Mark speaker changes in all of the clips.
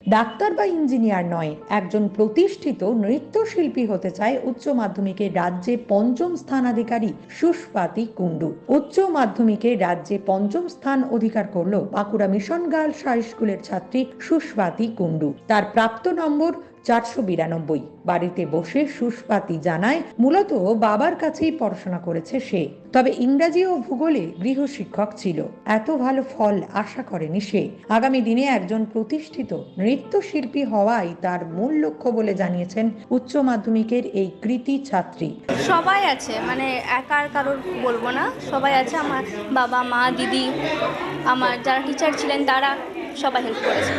Speaker 1: Doctor বা engineer নয়, একজন প্রতিষ্ঠিত নৃত্যশিল্পী হতে চায় উচ্চ মাধ্যমিকে রাজ্যে পঞ্চম স্থানাধিকারী সুস্বাতি কুণ্ডু। উচ্চ মাধ্যমিকে রাজ্যে পঞ্চম স্থান অধিকার করল বাঁকুড়া মিশন গার্লস হাই স্কুলের ছাত্রী সুস্বাতি কুণ্ডু। তার প্রাপ্ত নম্বর 492। বাড়িতে বসে সুস্বাতি জানায় মূলত বাবার কাছেই পড়াশোনা করেছে সে, তবে ইংরাজি ও ভূগোলে গৃহশিক্ষক ছিল। এত ভালো ফল আশা করেনি সে। আগামী দিনে একজন প্রতিষ্ঠিত নৃত্যশিল্পী হওয়াই তার মূল লক্ষ্য বলে জানিয়েছেন উচ্চ মাধ্যমিকের এই কৃতী ছাত্রী।
Speaker 2: সবাই আছে, মানে একার কারোর বলবো না, সবাই আছে। আমার বাবা, মা, দিদি, আমার যারা টিচার ছিলেন তারা সবাই হেল্প করেছে।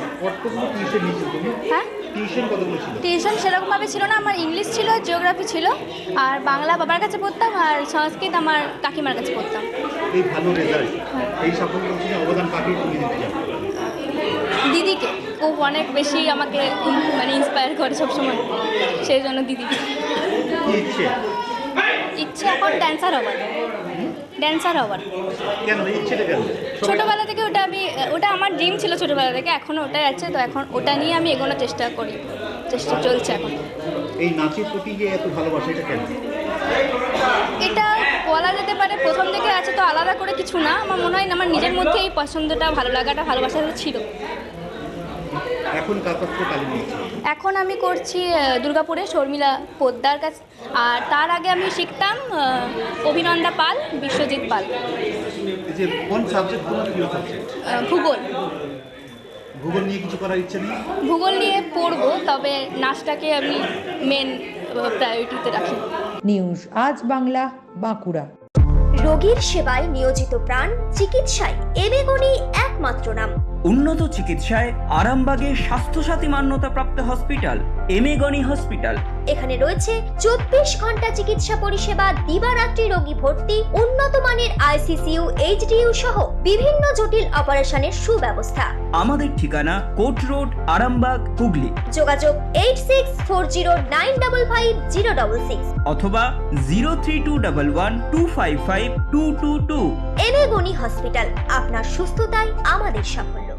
Speaker 2: হ্যাঁ, টিউশন সেরকমভাবে ছিল না। আমার ইংলিশ ছিল, জিওগ্রাফি ছিল, আর বাংলা বাবার কাছে পড়তাম, আর সংস্কৃত আমার কাকিমার কাছে পড়তাম।
Speaker 3: এই ভালো রেজাল্ট, এই সাফল্যের পিছনে অবদান কাকে তুমি দিতে চাও?
Speaker 2: দিদিকে, ও অনেক বেশি আমাকে মানে ইন্সপায়ার করে সবসময়, সেই জন্য দিদিকে। ইচ্ছে এখন ড্যান্সার হবার।
Speaker 3: কেন ইচ্ছেটা কেন?
Speaker 2: ছোটোবেলা থেকে ওটা আমার ড্রিম ছিল ছোটোবেলা থেকে, এখনও ওটাই আছে। তো এখন ওটা নিয়ে আমি এগোনোর চেষ্টা চলছে এখন।
Speaker 3: এই নাচের প্রতি যে এত ভালোবাসা, এটা কেন?
Speaker 2: এটা বলা যেতে পারে প্রথম থেকে আছে, তো আলাদা করে কিছু না। আমার মনে হয় না, আমার নিজের মধ্যে এই পছন্দটা, ভালো লাগাটা, ভালোবাসাটা ছিল।
Speaker 3: এখন
Speaker 2: এখন আমি করছি দুর্গাপুরে শর্মিলা পোদ্দার কাছে, আর তার আগে আমি শিখতাম অভিনন্দা পাল, বিশ্বজিৎ পাল।
Speaker 3: কোন সাবজেক্ট তোমার প্রিয় সাবজেক্ট?
Speaker 2: ভূগোল।
Speaker 3: ভূগোল নিয়ে কিছু করার ইচ্ছে নেই?
Speaker 2: ভূগোল নিয়ে পড়বো, তবে নাচটাকে আমি মেন প্রায়োরিটিতে রাখি।
Speaker 1: নিউজ আজ বাংলা, বাঁকুড়া।
Speaker 4: রোগীর সেবায় নিয়োজিত প্রাণ, চিকিৎসায় এবেগুনি একমাত্র নাম।
Speaker 5: উন্নত চিকিৎসায় আরামবাগে স্বাস্থ্যসাথী মান্যতাপ্রাপ্ত হসপিটাল এমেগনি হসপিটাল।
Speaker 4: এখানে রয়েছে 24 ঘন্টা চিকিৎসা পরিষেবা, দিবারাত্রি রোগী ভর্তি, উন্নত মানের আইসিসিইউ, এইচডিইউ সহ বিভিন্ন জটিল অপারেশনের সুব্যবস্থা।
Speaker 5: আমাদের ঠিকানা কোট রোড, আরামবাগ, হুগলি।
Speaker 4: যোগাযোগ 8640955066
Speaker 5: অথবা 03211255222।
Speaker 4: এবেগুনি হসপিটাল, আপনার সুস্থতাই আমাদের সাফল্য।